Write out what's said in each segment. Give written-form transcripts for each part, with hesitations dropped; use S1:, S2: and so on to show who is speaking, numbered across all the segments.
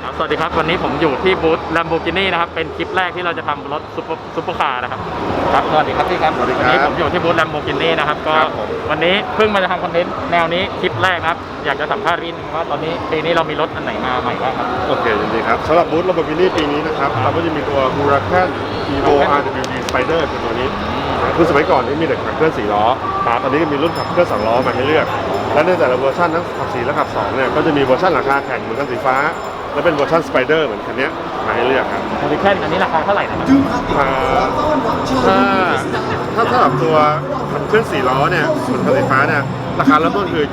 S1: สวัสดีครับวันนี้ผมอยู่ที่บูธ Lamborghini นะครับเป็นคลิปแรกที่เราจะทำรถซุปเปอร์คาร์นะครับครับสวัสดีครับพี่ครับวันนี้ผมอยู่ที่บูธ Lamborghini นะครับก็วันนี้เพิ่งมาจะทำคอนเทนต์แนวนี้คลิปแรกนะครับอยากจะสัมภาษณ์พี่ว่าตอนนี้ปีนี้เรามีรถอันไหนมาใหม่บ้างครับ
S2: โอเคยินดีครับสำหรับบูธ Lamborghini ปีนี้นะครับเราก็จะมีตัว Huracan Evo RWD Spider คือตัวนี้คือสมัยก่อนนี่มีแต่ขับเคลื่อน4ล้อตอนนี้ก็มีรุ่นขับเคลื่อน2ล้อมาให้เลือกและในแต่ละเวอร์ชันทั้งขับ4และขับ2เนี่ยก็จะมีเวอร์ชันราคาแข่งเหมือนกันสีฟ้าและเป็นเวอร์ชัน Spider เหมือนคันนี้มาให้เลือกครับ
S1: Huracan อันนี้ราคาเท่าไหร่นะครับ
S2: ถ้าสำหรับตัวขับเคลื่อน4ล้อเนี่ยส่วนคันสีฟ้าเนี่ยราคาเริ่มต้นคือ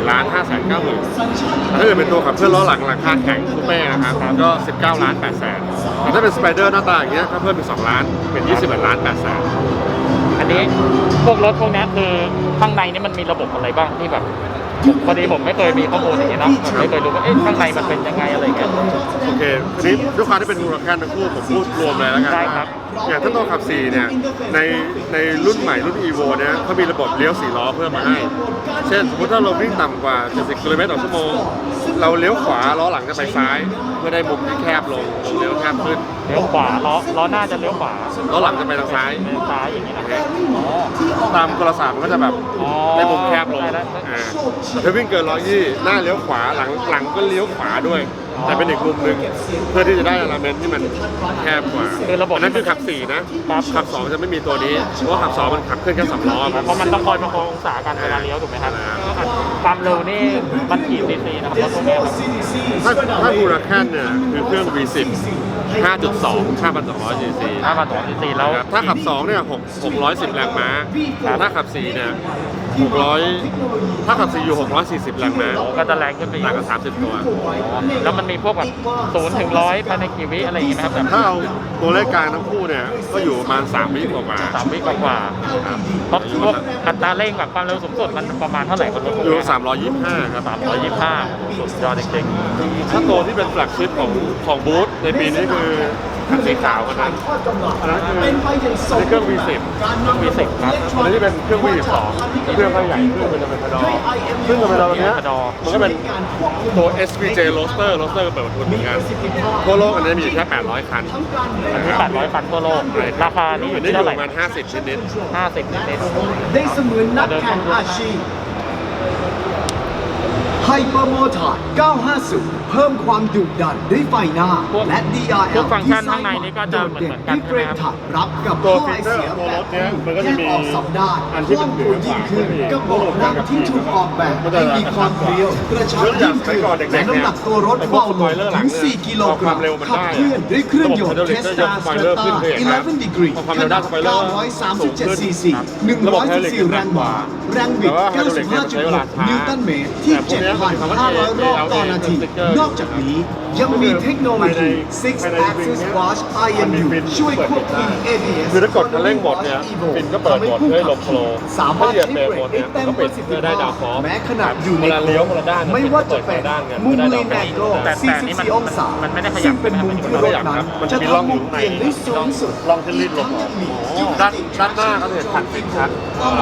S2: 24,590,000 ถ้าเกิดเป็นตัวขับเคลื่อนล้อหลังราคาแข่งคูเป้นะครับก็ 19,800,000 แต่ถ้าเป็น Spider หน้าตาอย่างเงี้ยก็เพิ่มเป็น2ล้านเป็น 21,800,000
S1: อันนี้พวกรถพวกนี้คือข้างในนี่มันมีระบบอะไรบ้างที่แบบพอดีผมไม่เคยมีข้อมูลอย่างนี้นะผมไม่เคยรู้ว่าข้างในมันเป็นยังไงอะไรเงี้ย
S2: โอเคทีนี้ด้วยความที่เป็นมูลค่าทั้งคู่ผมพูดรวมเลยแล้วกันได้ครับอย่างถ้าตัวขับ4เนี่ยในรุ่นใหม่รุ่น Evo เนี่ยเขามีระบบเลี้ยว4ล้อเพิ่มมาให้เช่นสมมติถ้าเราวิ่งต่ำกว่า70กิโลเมตรต่อชั่วโมงเราเลี้ยวขวาล้อหลังจะไปซ้ายเพื่อได้มุมที่แคบลงเลี้ยวแคบขึ้น
S1: เลี้ยวขวาล้อหน้าจะเลี้ยวขวา
S2: ล้อหลังจะไปทางซ้าย
S1: อย่างนี้นะ
S2: ตามโทรศัพท์มันก็จะแบบได้มุมแคบลงถ้าวิ่งเกิน120หน้าเลี้ยวขวาหลังก็เลี้ยวขวาด้วยแต่เป็นอีกมุมหนึ่งเพื่อที่จะได้อลาเมนที่มันแคบกว่า
S1: คือระบบ
S2: นั้นคือขับ4นะขับ2จะไม่มีตัวนี้เพราะว่าขับ2มันขับเคลื่อนแค่2ล้อ
S1: เพราะมันต้องคอยประคององศากันเวลาเลี้ยวถูกไหมครับความเร็วนี่มันกี่ซีซีนะครับรถพวกนี้
S2: ถ้าฮูราแคนเนี่ยคือเครื่อง V10 5.2 5,200 cc
S1: 5,200 cc แล้ว
S2: ถ้าขับ2เนี่ย610 แรงม้าถ้าขับ4เนี่ย600ถ้าขับ4อยู่640 แรงม้า
S1: ก็จะแรงขึ้นไป
S2: ต่างกัน30 ตัว
S1: แล้วมันมีพวกแบบ0 ถึง 100ภายในกี่วิอะไรอย่างงี้ไหมครับ
S2: ถ้าเอาตัวเลขกลางทั้งคู่เนี่ยก็อยู่ประมาณ3 วิกว่า
S1: 3 วิกว่าเพราะพวกอัตราเร่งแบบความเร็วสูงสุดมันประมาณเท่าไหร่ครับ
S2: อยู่325ครับ
S1: 325สุดยอดจริง
S2: ๆถ้าตัวที่เป็นแฟลกชิพของบูธในปีนี้คือคันสีขาวกันนั้นคือเครื่อง V10
S1: ครับ
S2: อันนี้ที่เป็นเครื่อง V12 เครื่องใหญ่เครื่องเป็นธรรมดาซึ่งธรรมดาตัวนี้มันก็เป็นตัว SVJ Roadster เปิดประทุนเหมือนกันทั่วโลกอันนี้มีแค่800 คัน
S1: อันนี้800 คันทั่วโลกราคานี้อยู่ที่เท่าไหร่
S2: ประมาณ50 นิด
S3: ได้เสมือนนักแข่งอาชีพไฮเปอร์โมทอร์950เพิ่มความดุดันด้วยไฟหน้าและ DRL
S1: พวกฟังก์ชันข้างในนี้ก็จะเหมือนกันใช่ไหมครับ
S3: รับกับ
S2: ตัวฟีเจอร์ตัวรถเนี้ยมันก็จะมี
S3: อันที่เป็นตัวยิ่งขึ้นก็บอกนั่งที่ถูกออกแบบให้มีความเรียวกระชับยิ่งขึ้นและน้ำหนักตัวรถเบาลงถึง4 กิโลกรัมขับเคลื่อนด้วยเครื่องยนต์เทสตาสเตอร์11 degree ขนาด937 cc 114 แรงม้าแรงบิด 95.6 นิวตันเมตรที่ 7,500 รอบต่อนาทีนอกจากนี้ยังมีเทคโนโลยี Six Axis Watch IMU ช่วยควบคุม ABS
S2: คือถ้ากดคันเร่งหมดเนี่ยฟินก็เปิดหมดเพื่อลมโฟล์ถ้าเหยียบเบรกหมดเนี่ยก็ปิดเพื่อได้ดาวฟอร์
S3: แม้ขนาดอยู่ใน
S2: เลี้ยวคนละด้าน
S3: ไม่ว่าจะเป็นมุมเลนแองโก44 องศาซึ่งเป็นมุมที่รถนั้นจะทำมุมเปลี่ยนได้สูงสุด
S2: ลองจะรีดลมด้านหน้าก็จะเห็นผ่านฟินชัด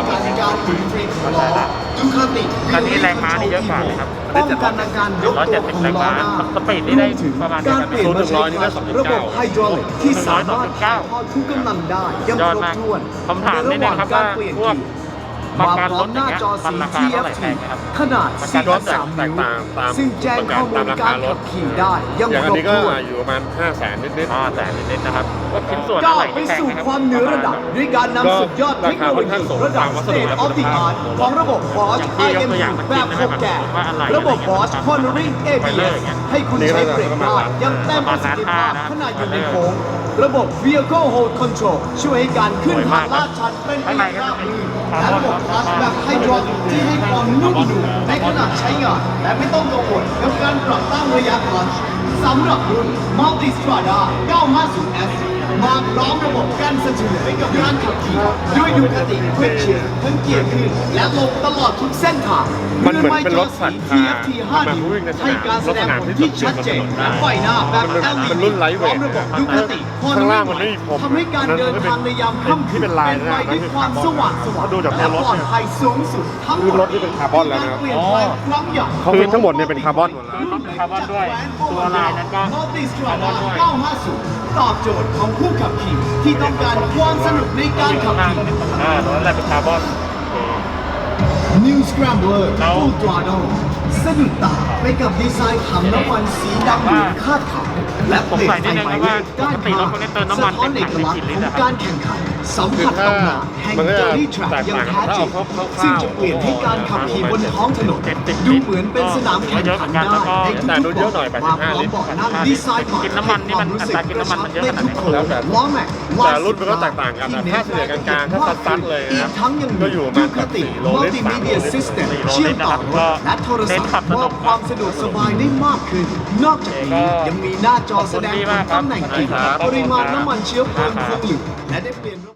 S1: อันนี้แรงม้านี่เยอะกว่าเลยครับ
S3: ป้องกันอาการยกตัวของล้อหน้า
S1: สปีดนี่ได้ประมาณ
S3: การเปลี่ยนมาใช้ระบบไฮดรอลิกที่สามารถถ่ายทอดทุกกำลังได้ยังครบถ้วน
S1: ผมถามนิดนึงครับว่าพวกประกันรถอย่างเงี้ยมันราคาเท่าไหร่แพงครับ
S3: ขนาด4.3 นิ้วซึ่งแจ้งข้อมูลการขับขี่ได้ยังครบถ้วน
S2: อยู่ประมาณ500,000 นิด
S1: ๆนะครับว่าชิ้นส่วน
S3: ก้า
S1: อะไร
S3: วไปสู่ความเหนือระดับด้วยการนำสุดยอดเทคโนโลยีระดับ State of the Art ของระบบ Bosch IMU แบบ6แกนระบบ Bosch Cornering ABS ให้คุณใช้เบรกได้ยังเต็มประสิทธิภาพขณะอยู่ในโค้งระบบ Vehicle Hold Control ช่วยให้การขึ้นทางลาดชันเป็นไปได้ราบรื่นและระบบคลัตช์แบบไฮดรอลิกที่ให้ความนุ่มนวลในขณะใช้งานและไม่ต้องกังวลกับการปรับตั้งระยะคลัตช์สำหรับรุ่น Multistrada 950S มาพร้อมระบบกั้นสะเทือนไปกับการขับขี่ด้วยดูคติเพื่อเชียร์ทั้งเกียร์ขึ้นและลงตลอดทุกเส้นทาง
S2: มันเหมือนเป็นรถสัตว์
S3: TFT 5 นิ้วให้การแสดงผลที่ชัดเจนและไฟหน้าแบบ LED
S2: มันรุ่นไลท์เวท
S3: พร้อมระบบดูคติ
S2: ข้างล่างมันไม่มีพรม
S3: ทำให้การเดินทางในยามค่ำคืน
S2: ที่เป็นลาย
S3: เป็น
S2: นะ
S3: ไปด้วยความสว่างสว่าง
S2: ดูจากตัว
S3: และ
S2: รถ
S3: ปลอดภัยสูงสุดทั้งหม
S2: คือ
S3: ด
S2: รถที่เป็นคาร์บอนแล้วนะครับ
S3: เปลี่ยนแปลงครั้งใหญ่
S2: เขาคือทั้งหมดเนี่ยเป็นคาร์บอนหมดแล้ว
S1: รถเป็นคาร์บอนด้วย ตัวลายนั้นก็
S3: มัลติสตราดา950 ตอบโจทย์ของผู้ขับขี่ที่ต้องการความสนุกในการขับขี่
S1: ตรงนั้นแหละเป็นคาร์บอน
S3: New Scrambler
S1: แล้ว
S3: Full Throttle สะดุดตาไปกับดีไซน์ถังน้ำมันสีดำเหลืองคาดขาวและเปลี่ยนไฟไฟเวทด้านข้างสะท้อนเอกลักษณ์ของการแข่งขันสัมผัสตำนานแห่ง Dirty Track อย่างแท้จริงซึ่งจะเปลี่ยนให้การขับขี่บนท้องถนนดูเหมือนเป็นสนามแข่งขันได้ในทุก
S2: แต่ดูเยอะหน่อย
S3: ๆมาพร้อมเบาะนั่งดีไซน์ใหม่
S1: กินน้ำมันนี่มันอัตรากินน้ำมันมันเยอะขนาดไหน
S2: แล้วแต่
S3: ล้อแม็ก
S2: แต่รุ่นมันก็แตกต่างกันนะถ้าเฉลี่ยกลางๆถ้าซัดๆเลย
S3: อี
S2: นะ
S3: กทั้งยัง
S2: ก็อยู่ประมาณ
S3: ดูคติ
S2: 4 โลลิตร 3 โล
S3: Multimedia
S2: ลิตร
S3: System
S1: 4 โล
S3: เชื่อ
S1: ลิ
S3: ม
S1: ตร
S3: ต่อ
S1: นะครับ
S3: รถและโทรศัพท์
S1: เน้นขับส
S3: ม
S1: นุ
S3: อก บความสะดวกสบายได้มากขึ้น นอกจากนี้ยังมีหน้าจอแสดงผลตำแหน่งจริง
S2: ขอบคุณครับ
S3: ปริมาณน้ำมันเชื้อเพลิงคงเหลือและได้เปลี่ยน